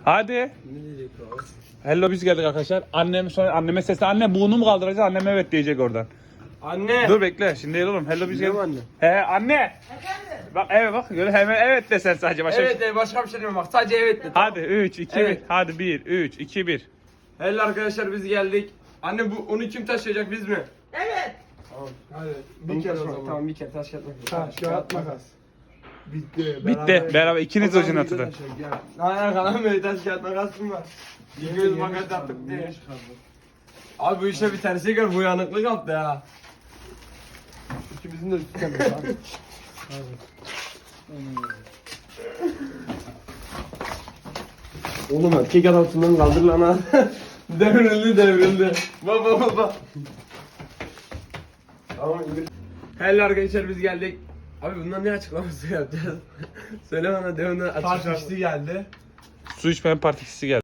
Hadi. Ne diyecek o? Hello biz geldik arkadaşlar. Anneme sesle anne bunu mu kaldıracağız? Annem evet diyecek oradan. Anne. Dur bekle şimdi değil oğlum. Hello biz Biliyor geldik. musun He anne. Bak evet bak göre hemen evet de sen sadece başka. Evet başka bir şey demiyorum bak sadece evet de. Hadi 3 2 Evet. 1. Hadi 1 3 2 1. Hello arkadaşlar biz geldik. Anne onu kim taşıyacak biz mi? Evet. Tamam. Hadi Onu bir kere o taşımak. zaman. Tamam bir kere taş kağıt makas. Taş, kağıt, makas. Bitti. Bitti. Beraber ikiniz O zaman ucuna bir de tutun. taşak, gel. Hayır kalan böyle taş kağıt makasım var. Bir göz makas yaptık diye. Abi bu işte bir tersi gör bu yanıklık yaptı ya. İkimizin de üstü kemer abi. Oğlum erkek adamsından kaldır lan ha. devrildi. Baba. Tamam indir. Hello arkadaşlar biz geldik. Abi bundan ne açıklaması yapacağız? Söyle bana de ondan Taş açıklaması. içti geldi. Su içmeyen partisi geldi.